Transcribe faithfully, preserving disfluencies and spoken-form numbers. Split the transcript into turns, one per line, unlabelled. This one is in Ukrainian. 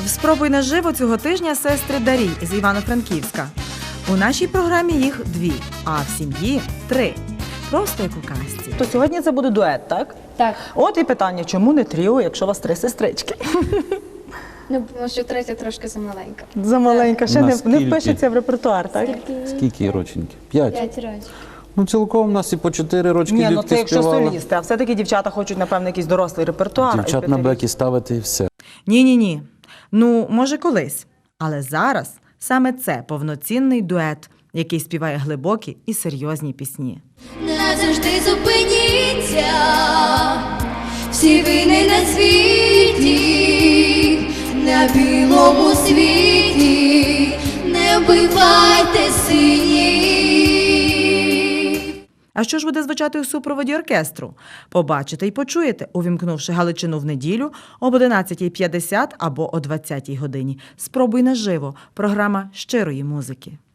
Спробуй наживо цього тижня сестри Дарій з Івано-Франківська. У нашій програмі їх дві, а в сім'ї три. Просто як у казці.
То сьогодні це буде дует, так?
Так.
От і питання, чому не тріо, якщо у вас три сестрички?
Ну, тому що третя трошки замаленька.
Замаленька, ще не, не
Наскільки?
впишеться в репертуар, так?
Скільки роченьки? П'ять.
П'ять років.
Ну, цілком у нас і по чотири рочки
Ні, ну
дітки
це якщо
співали.
солісти, а все-таки дівчата хочуть, напевно, якийсь дорослий репертуар.
Дівчат на бекі ставити і все.
Ні-ні-ні. Ну, може колись. Але зараз саме це повноцінний дует, який співає глибокі і серйозні пісні.
Назавжди зупиніться, всі вини на світі, на білому світі, не вбивайте синів.
А що ж буде звучати у супроводі оркестру? Побачите і почуєте, увімкнувши Галичину в неділю об одинадцятій п'ятдесят або о двадцятій годині. Спробуй наживо. Програма щирої музики.